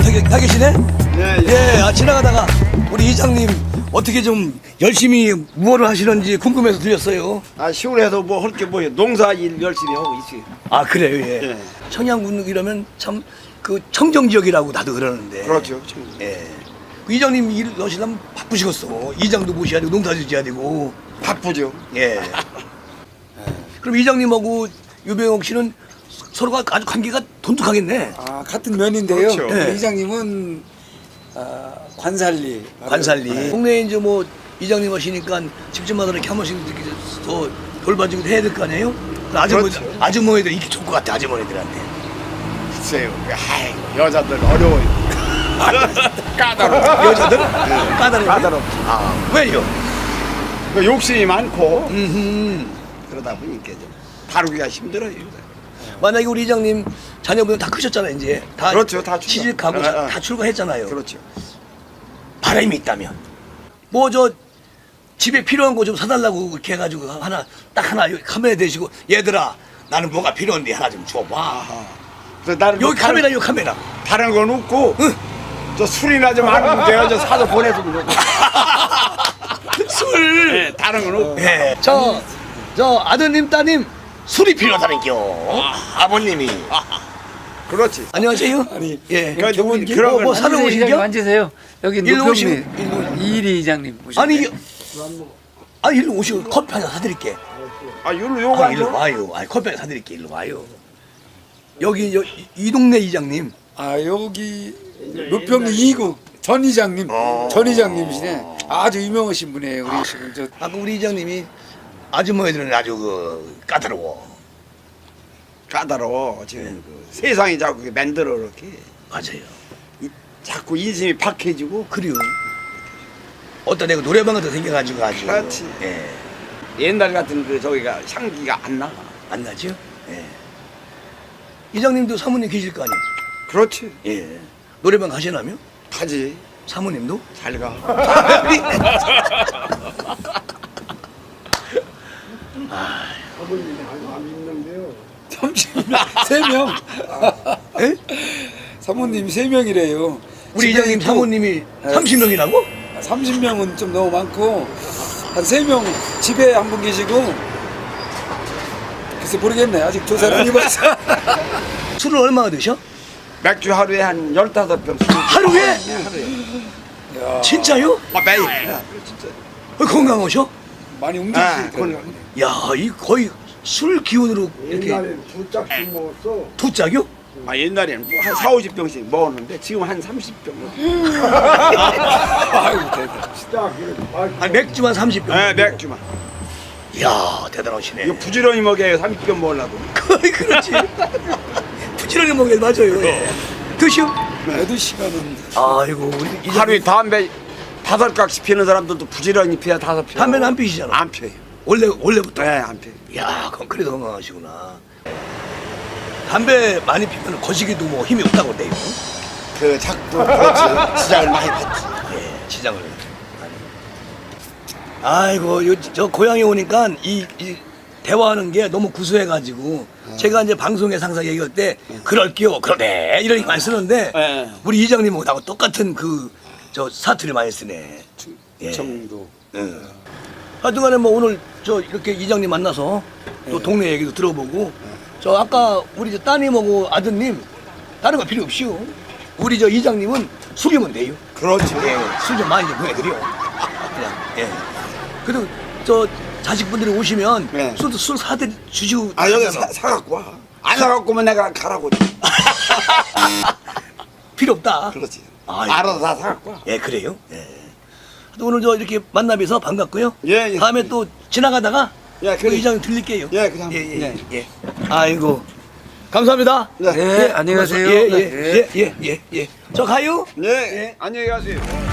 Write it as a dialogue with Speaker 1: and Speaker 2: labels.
Speaker 1: 가 계시네?
Speaker 2: 예, 예.
Speaker 1: 예, 지나가다가 우리 이장님 어떻게 좀 열심히 무엇을 하시는지 궁금해서 들렸어요.
Speaker 2: 아, 시골에서 뭐 할 게 뭐예요? 농사 일 열심히 하고 있어요.
Speaker 1: 아, 그래요, 예.
Speaker 2: 예.
Speaker 1: 청양군 이러면 참 그 청정 지역이라고 다들 그러는데.
Speaker 2: 그렇죠.
Speaker 1: 예. 그 이장님 일 하시려면 바쁘시겠어. 이장도 모셔야 되고 농사도 지어야 되고.
Speaker 2: 바쁘죠.
Speaker 1: 예. 그럼 이장님하고 유병옥 씨는 서로가 아주 관계가 돈독하겠네.
Speaker 3: 아, 같은 면인데요.
Speaker 2: 그렇죠.
Speaker 1: 네.
Speaker 3: 이장님은 관살리.
Speaker 1: 관살리.
Speaker 3: 네.
Speaker 1: 동네에 이제 뭐 이장님 하시니까 집집마다 이렇게 한 번씩 이렇게 더 돌봐주고 해야 될 거 아니에요?
Speaker 2: 그렇죠.
Speaker 1: 아주머니들 인기 좋을 것 같아, 아주머니들한테.
Speaker 2: 글쎄요. 아이고, 여자들 어려워요. 까다로워.
Speaker 1: 여자들? 까다로워.
Speaker 2: 까다롭죠.
Speaker 1: 아, 왜요?
Speaker 2: 그 욕심이 많고
Speaker 1: 그러다
Speaker 2: 보니까 좀 다루기가 힘들어요.
Speaker 1: 만약에 우리 이장님 자녀분들 다 크셨잖아요, 이제. 다
Speaker 2: 그렇죠, 다 출가.
Speaker 1: 취직하고
Speaker 2: 아, 아.
Speaker 1: 다 출가했잖아요.
Speaker 2: 그렇죠.
Speaker 1: 바람이 있다면. 뭐 저 집에 필요한 거 좀 사달라고 이렇게 해가지고 딱 하나 여기 카메라 대시고 얘들아 나는 뭐가 필요한데 하나 좀 줘봐.
Speaker 2: 그래서 나는
Speaker 1: 여기
Speaker 2: 뭐
Speaker 1: 카메라 여기 카메라.
Speaker 2: 다른 건 없고
Speaker 1: 응.
Speaker 2: 저 술이나 좀 하는 데요. 저 사서 보내주면 되고.
Speaker 1: 술.
Speaker 2: 네, 다른 건 없고.
Speaker 1: 예. 저 아드님 따님 술이 필요하다는겨. 아버님이.
Speaker 2: 그렇지.
Speaker 1: 안녕하세요.
Speaker 3: 아니,
Speaker 1: 예.
Speaker 2: 그러니까
Speaker 3: 좋은
Speaker 2: 길- 그런
Speaker 1: 뭐
Speaker 2: 건
Speaker 1: 사러
Speaker 3: 이장님
Speaker 1: 오신겨?
Speaker 3: 앉으세요. 여기
Speaker 1: 일로
Speaker 3: 노평리
Speaker 1: 오시고,
Speaker 3: 이일이 이장님 오셨네.
Speaker 1: 아니 일로 오시고 커피 하나 사드릴게.
Speaker 2: 아, 일로 요거
Speaker 1: 아, 일로 와요. 아, 커피 하나 사드릴게. 일로 와요. 여기 이 동네 이장님.
Speaker 3: 여기 노평리 이국 전 이장님, 전 이장님이시네. 아주 유명하신 분이에요. 우리 지금 저
Speaker 1: 아까 우리 이장님이 아주머니들은 아주 그 까다로워.
Speaker 2: 까다로워. 지금 그 세상이 자꾸 이렇게 만들어 이렇게
Speaker 1: 맞아요.
Speaker 2: 자꾸 인심이 박해지고.
Speaker 1: 그래요. 어떤 내가 노래방 같은 거 생겨가지고 아주.
Speaker 2: 그렇지.
Speaker 1: 예.
Speaker 2: 옛날 같은 그 저기가 향기가 안 나.
Speaker 1: 안 나죠? 예. 이장님도 사모님 계실 거 아니에요?
Speaker 2: 그렇지.
Speaker 1: 예. 노래방 가시나며?
Speaker 2: 가지.
Speaker 1: 사모님도?
Speaker 2: 잘 가.
Speaker 3: 세 명.
Speaker 1: 예?
Speaker 3: 사모님 세 명이래요.
Speaker 1: 우리 이장님 사모님이 30명이라고?
Speaker 3: 30명은 좀 너무 많고 한 3명 집에 한 분 계시고 글쎄 모르겠네. 아직 조사를 안 해봤어.
Speaker 1: 술을 얼마나 드셔?
Speaker 2: 맥주 하루에 한 15병.
Speaker 1: 하루에?
Speaker 3: 야,
Speaker 1: 진짜요?
Speaker 2: 아, 매일.
Speaker 1: 건강하셔?
Speaker 3: 많이
Speaker 2: 아,
Speaker 3: 움직이시더라고요.
Speaker 1: 야, 이 거의 술 기운으로 이렇게
Speaker 4: 옛날에 두 짝씩 먹었어.
Speaker 1: 두 짝이요?
Speaker 2: 아, 옛날에는 뭐한 4, 50병씩 먹었는데 지금 한 30병.
Speaker 3: 아이고 대단.
Speaker 4: 진짜 그래.
Speaker 1: 아, 맥주만 30병.
Speaker 2: 네, 맥주만.
Speaker 1: 이야, 대단하시네.
Speaker 2: 이거 부지런히 먹여요. 30병 먹으려고.
Speaker 1: 거의 그렇지. 부지런히 먹게 맞아요. 예. 드시오.
Speaker 3: 8시간은
Speaker 1: 아이고, 우리 이장님
Speaker 2: 하루에 담배 5각씩 피는 사람들도 부지런히 피야 5표.
Speaker 1: 담배는 안 피시잖아.
Speaker 2: 안 피워요.
Speaker 1: 원래부터.
Speaker 2: 네, 안 피워요.
Speaker 1: 야, 그럼 그래도 건강하시구나. 담배 많이 피면 거시기도 뭐 힘이 없다고 그래요.
Speaker 2: 그 작도 그렇지. 시장을 많이 봤지.
Speaker 1: 예, 지장을. 아이고, 저 고향에 오니까 이 대화하는 게 너무 구수해가지고 제가 이제 방송에 항상 얘기할 때 그럴게요, 그러네 이런 많이 쓰는데
Speaker 2: 네.
Speaker 1: 우리 이장님하고 나하고 똑같은 저 사투리 많이 쓰네. 예.
Speaker 3: 정도.
Speaker 1: 응. 하여튼간에 뭐 오늘 저 이렇게 이장님 만나서 또 동네 얘기도 들어보고 저 아까 우리 저 따님하고 아드님 다른 거 필요 없이요. 우리 저 이장님은 술이면 돼요.
Speaker 2: 그렇지.
Speaker 1: 예, 술 좀 많이 좀 보내드려. 그냥 예. 그래도 저 자식분들이 오시면
Speaker 2: 네.
Speaker 1: 술 사들 주시고.
Speaker 2: 아, 여기
Speaker 1: 하잖아.
Speaker 2: 사갖고 와. 안 사갖고 오면 내가 가라고.
Speaker 1: 필요 없다.
Speaker 2: 그렇지.
Speaker 1: 아이고.
Speaker 2: 알아서 다 사갖고 와.
Speaker 1: 예, 그래요. 예. 또 오늘 저 이렇게 만나뵈서 반갑고요.
Speaker 2: 예, 예.
Speaker 1: 다음에 또 지나가다가
Speaker 2: 예,
Speaker 1: 그
Speaker 2: 그래.
Speaker 1: 이장님 들릴게요.
Speaker 2: 예, 그냥.
Speaker 1: 예. 아이고. 감사합니다.
Speaker 2: 네.
Speaker 3: 네, 안녕히 가세요.
Speaker 1: 예. 저 가요?
Speaker 2: 네. 안녕히 가세요.